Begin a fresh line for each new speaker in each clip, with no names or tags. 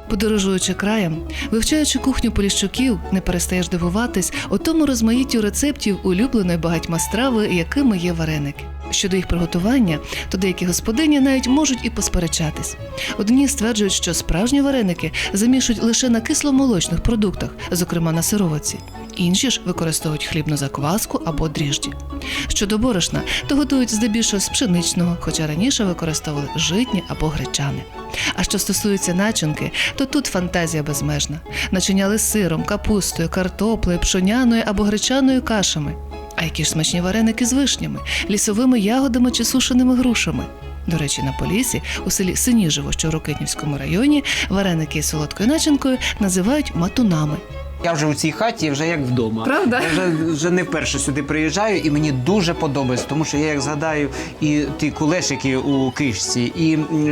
Подорожуючи краєм, вивчаючи кухню поліщуків, не перестаєш дивуватись о тому розмаїттю рецептів улюбленої багатьма страви, якими є вареники. Щодо їх приготування, то деякі господині навіть можуть і посперечатись. Одні стверджують, що справжні вареники замішують лише на кисломолочних продуктах, зокрема на сироватці. Інші ж використовують хлібну закваску або дріжджі. Щодо борошна, то готують здебільшого з пшеничного, хоча раніше використовували житні або гречане. А що стосується начинки, то тут фантазія безмежна. Начиняли сиром, капустою, картоплею, пшоняною або гречаною кашами. А які ж смачні вареники з вишнями, лісовими ягодами чи сушеними грушами. До речі, на Поліссі, у селі Синіжево, що в Рокитнівському районі, вареники із солодкою начинкою називають матунами.
Я вже у цій хаті, вже як вдома.
Правда?
Я вже не вперше сюди приїжджаю, і мені дуже подобається, тому що я як згадаю і ті кулешики у кишці, і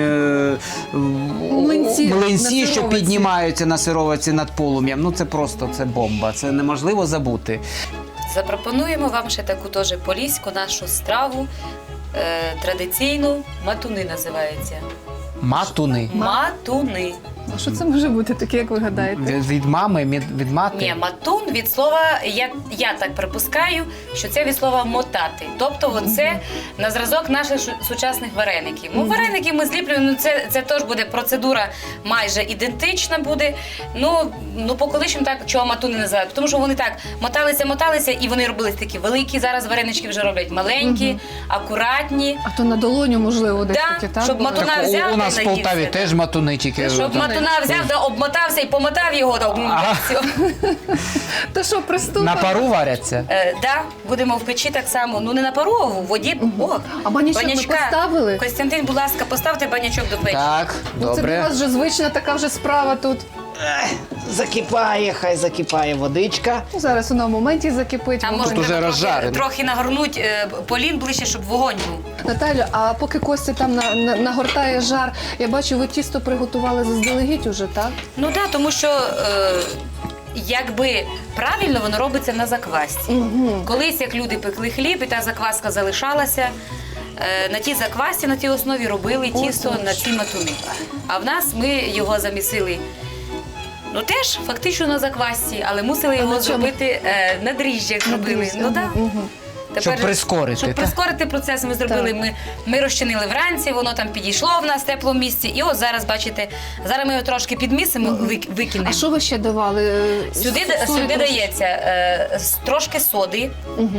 млинці, що піднімаються на сироватці над полум'ям. Ну це просто, це бомба, це неможливо забути.
Запропонуємо вам ще таку теж поліську нашу страву, традиційну, матуни називається.
Матуни.
Матуни.
А що це може бути таке, як ви гадаєте?
Від мами, від мати?
Ні, матун від слова, я так припускаю, що це від слова мотати. Тобто оце на зразок наших сучасних вареників. Ну, вареники ми зліплюємо, це теж буде процедура майже ідентична буде. Ну по колишньому так, чого матуни називають? Тому що вони так моталися, і вони робились такі великі. Зараз варенички вже роблять маленькі, акуратні.
А то на долоню, можливо, десь таке, так?
Щоб матуна
Так,
взяв,
у нас в Полтаві теж матуни тільки.
Щоб матуна взяв, да обмотався і помотав його. Все.
Та що, приступимо?
На пару варяться?
Да, будемо в печі так само. Ну не на пару, а в воді. О,
А банячок ми поставили?
Костянтин, будь ласка, поставте банячок до печі.
Так,
Ну, це для
добре.
вас вже звична така вже справа тут.
Закипає, хай закипає водичка.
Ну, зараз вона в моменті закипить.
А
вогонь.
може
Тут уже
треба
розжарено.
трохи нагорнуть полін ближче, щоб вогонь був.
Наталю, а поки Костя там нагортає жар, я бачу, ви тісто приготували заздалегідь уже, так?
Ну так, тому що якби правильно воно робиться на заквасці.
Угу.
Колись, як люди пекли хліб, і та закваска залишалася, на тій заквасці, на тій основі робили тісто на ці матуни. А в нас ми його замісили, ну теж фактично на заквасці, але мусили його зробити на дріжджах. Робили. Ну так.
Щоб прискорити,
Щоб
так?
прискорити процес, ми зробили. Ми розчинили вранці, воно там підійшло в нас в теплому місці. І ось зараз, бачите, зараз ми його трошки підмісимо, викинемо.
А що ви ще давали?
Сюди дається трошки соди,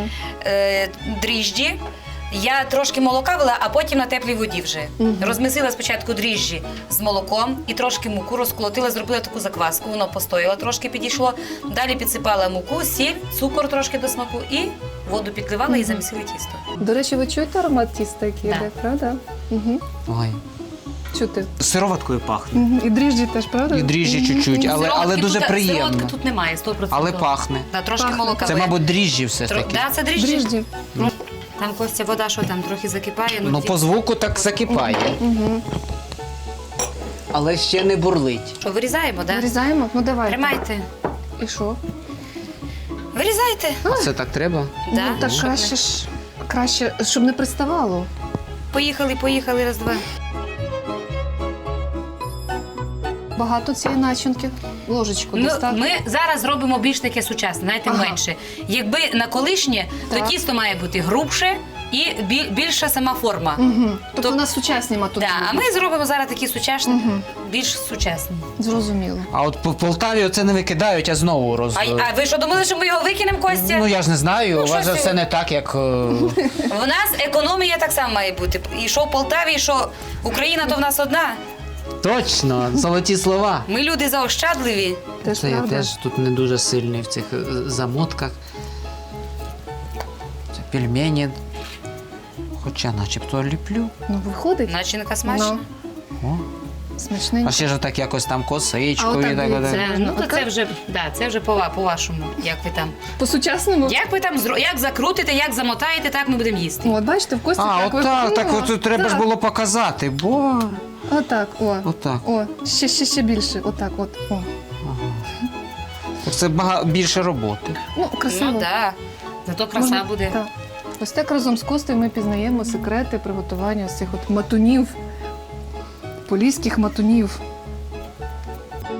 дріжджі. Я трошки молока вела, а потім на теплій воді вже. Розмісила спочатку дріжджі з молоком і трошки муку розколотила, зробила таку закваску, воно постояло, трошки підійшло. Далі підсипала муку, сіль, цукор трошки до смаку і воду підливала і замісили тісто.
До речі, ви чуєте аромат тіста, який
Да.
йде, правда? Угу.
Ой.
Чути.
Сироваткою пахне.
Угу. І дріжджі теж, правда?
І дріжджі чуть-чуть, але
Сироватки
дуже
тут,
приємно.
Сироватки тут немає, 100%.
Але пахне.
Да, трошки
Пахне.
молока.
Це, мабуть, дріжджі все ж таки.
Да, це дріжджі.
Дріжджі.
Там, Костя, вода, що там, трохи закипає.
Ну, по звуку так закипає. Але ще не бурлить.
Що, вирізаємо, так? Да?
Вирізаємо? Ну давай.
Тримайте.
І що?
Вирізайте.
А це так треба?
Да,
Ну так
щоб
краще, щоб не приставало.
Поїхали, раз-два.
Багато цієї начинки. Ложечку
Ну,
десь, так?
ми зараз робимо більш таке сучасне, знаєте,
Ага.
менше. Якби на колишнє, то
Так.
тісто має бути грубше і більша сама форма.
Угу. Тобто у нас сучасні матуни.
Да, а ми зробимо зараз такі сучасні, більш сучасні.
Зрозуміло.
А от в Полтаві оце не викидають, а знову
А ви що, думали, що ми його викинемо, Костя?
Ну я ж не знаю,
Ну,
у вас
що
же все не так, як...
В нас економія так само має бути. І що в Полтаві, і що Україна, то в нас одна.
Точно, золоті слова.
Ми люди заощадливі.
Теж
Це я
правда.
теж тут не дуже сильний в цих замотках. Це пельмені. Хоча начебто ліплю.
Ну, виходить.
Начинка смачна.
О.
Смачненько.
А ще ж так якось там
А
косичкою.
отак
так,
дивіться.
так.
Ну, то
Отак?
це вже по-вашому, як ви там.
По-сучасному?
Як ви там як закрутите, як замотаєте, так ми будемо їсти.
От бачите, в Кості
А,
так
отак, так
виходило.
от треба ж
Так.
було показати, бо...
Отак, о.
Отак.
О, ще більше. Отак, от. О.
Так це більше роботи.
Ну, красиво.
Ну так, зато краса
Можна-
буде.
Так. Ось так разом з Костею ми пізнаємо секрети приготування ось цих от матунів, поліських матунів.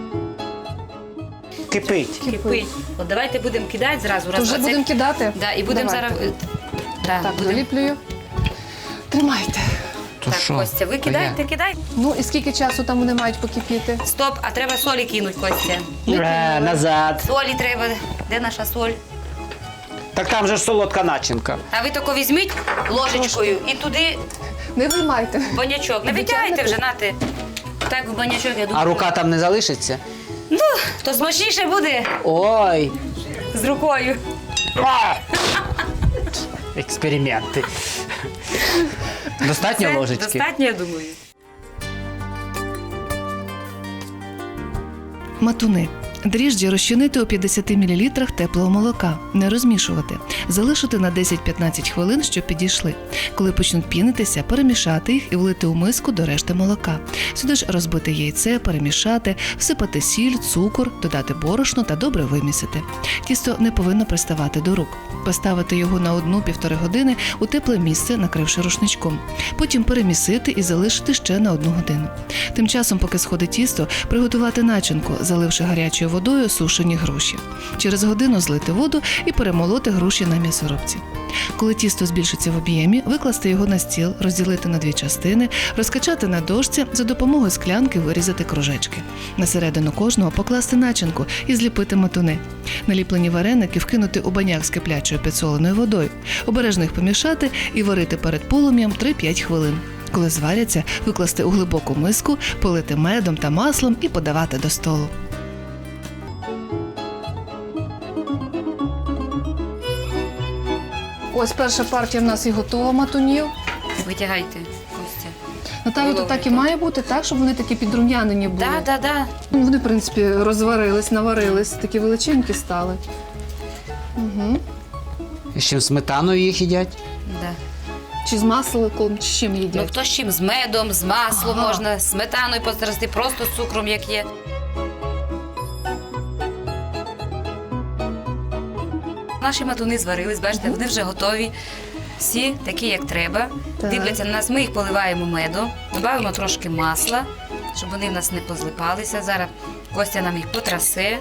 Кипить.
Кипить. От давайте будемо кидати зразу.
То вже будемо кидати?
Да, і будемо
Давайте.
зараз... Да,
Так,
будемо.
доліплюю. Тримайте.
То
Так,
що?
Костя, ви
То
кидайте,
я?
кидайте.
Ну і скільки часу там вони мають покипіти?
Стоп, а треба солі кинути, Костя.
Назад.
Солі треба. Де наша соль?
Так там же ж солодка начинка.
А ви тако візьміть ложечкою і туди
Не виймайте.
в банячок. Не витягайте вже, нате. Так, в банячок, я думаю.
А рука там не залишиться?
Ну, то смачніше буде
Ой.
з рукою.
Експерименти. Достатньо
Це
ложечки?
достатньо, я думаю.
Матуни. Дріжджі розчинити у 50 мл теплого молока, не розмішувати, залишити на 10-15 хвилин, щоб підійшли. Коли почнуть пінитися, перемішати їх і влити у миску до решти молока. Сюди ж розбити яйце, перемішати, всипати сіль, цукор, додати борошно та добре вимісити. Тісто не повинно приставати до рук. Поставити його на 1-1,5 години у тепле місце, накривши рушничком. Потім перемісити і залишити ще на 1 годину. Тим часом, поки сходить тісто, приготувати начинку, заливши гарячою водою сушені груші. Через годину злити воду і перемолоти груші на м'ясорубці. Коли тісто збільшиться в об'ємі, викласти його на стіл, розділити на 2 частини, розкачати на дошці, за допомогою склянки вирізати кружечки. На середину кожного покласти начинку і зліпити матуни. Наліплені вареники вкинути у баняк з киплячою підсоленою водою, обережно їх помішати і варити перед полум'ям 3-5 хвилин. Коли зваряться, викласти у глибоку миску, полити медом та маслом і подавати до столу.
Ось перша партія в нас і готова матунів.
Витягайте, Костя.
Наталю, то так і має бути, так, щоб вони такі підрум'янені були.
Да.
Ну, вони, в принципі, розварились, наварились, такі величенькі стали. Угу.
І з чим сметаною їх їдять?
Да.
Чи з масликом, чи з чим
Ну,
їдять?
хто з чим? З медом, з маслом
Ага.
можна, з сметаною пострасти, просто з цукром, як є. Наші матуни зварились, бачите, вони вже готові. Всі такі, як треба.
Так.
Дивляться на нас, ми їх поливаємо медом, додаємо трошки масла, щоб вони в нас не позлипалися. Зараз Костя нам їх потрасе.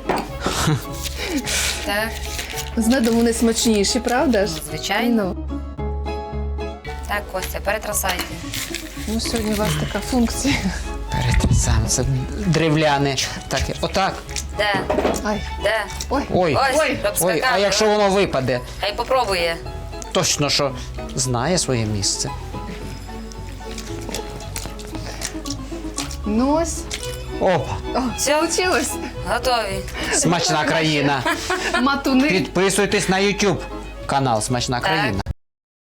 Так,
З медом вони смачніші, правда ж?
ну, звичайно.
Ну,
Так, Костя, перетрасайте.
ну, сьогодні у вас така функція.
Перетрясаємо. Це древляне. Так, отак.
Да,
Ай,
да.
ой.
Ой.
Ось,
Ой.
щоб
Ой, а
скакати.
якщо воно випаде?
Хай попробує.
Точно, що знає своє місце.
Ну ось.
Опа,
О, получилось.
Готові.
смачна країна.
Матуни.
Підписуйтесь на YouTube канал Смачна
Так.
країна.